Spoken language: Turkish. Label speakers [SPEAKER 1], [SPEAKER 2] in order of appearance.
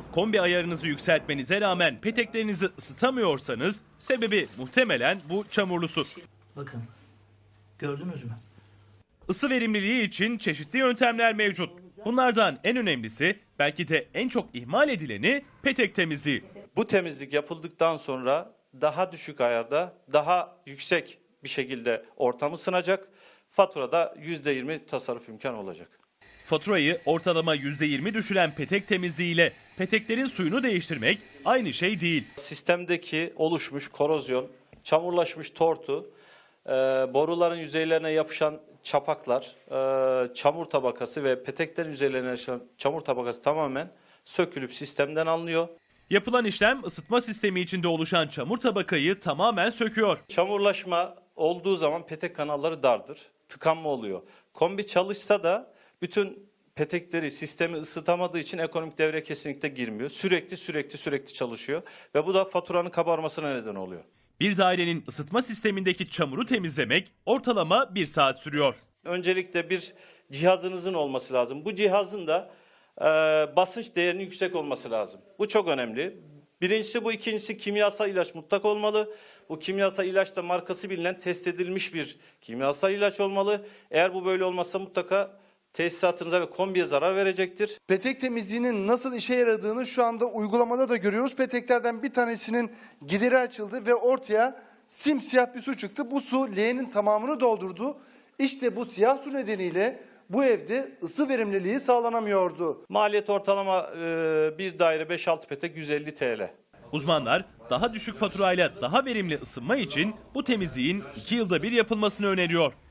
[SPEAKER 1] Kombi ayarınızı yükseltmenize rağmen peteklerinizi ısıtamıyorsanız sebebi muhtemelen bu çamurlu su.
[SPEAKER 2] Bakın, gördünüz mü?
[SPEAKER 1] Isı verimliliği için çeşitli yöntemler mevcut. Bunlardan en önemlisi, belki de en çok ihmal edileni petek temizliği.
[SPEAKER 3] Bu temizlik yapıldıktan sonra daha düşük ayarda, daha yüksek bir şekilde ortam ısınacak. Faturada %20 tasarruf imkanı olacak.
[SPEAKER 1] Faturayı ortalama %20 düşüren petek temizliğiyle peteklerin suyunu değiştirmek aynı şey değil.
[SPEAKER 3] Sistemdeki oluşmuş korozyon, çamurlaşmış tortu, boruların yüzeylerine yapışan çapaklar, çamur tabakası ve peteklerin yüzeylerine yapışan çamur tabakası tamamen sökülüp sistemden alınıyor.
[SPEAKER 1] Yapılan işlem ısıtma sistemi içinde oluşan çamur tabakayı tamamen söküyor.
[SPEAKER 3] Çamurlaşma olduğu zaman petek kanalları dardır, tıkanma oluyor. Kombi çalışsa da bütün petekleri sistemi ısıtamadığı için ekonomik devreye kesinlikle girmiyor. Sürekli çalışıyor ve bu da faturanın kabarmasına neden oluyor.
[SPEAKER 1] Bir dairenin ısıtma sistemindeki çamuru temizlemek ortalama 1 saat sürüyor.
[SPEAKER 3] Öncelikle bir cihazınızın olması lazım. Bu cihazın da basınç değerinin yüksek olması lazım. Bu çok önemli. Birincisi bu, ikincisi kimyasal ilaç mutlak olmalı. Bu kimyasal ilaç da markası bilinen, test edilmiş bir kimyasal ilaç olmalı. Eğer bu böyle olmazsa mutlaka tesisatınıza ve kombiye zarar verecektir.
[SPEAKER 4] Petek temizliğinin nasıl işe yaradığını şu anda uygulamada da görüyoruz. Peteklerden bir tanesinin gideri açıldı ve ortaya simsiyah bir su çıktı. Bu su leğenin tamamını doldurdu. İşte bu siyah su nedeniyle bu evde ısı verimliliği sağlanamıyordu.
[SPEAKER 3] Maliyet ortalama bir daire 5-6 petek 150 TL.
[SPEAKER 1] Uzmanlar daha düşük faturayla daha verimli ısınma için bu temizliğin 2 yılda bir yapılmasını öneriyor.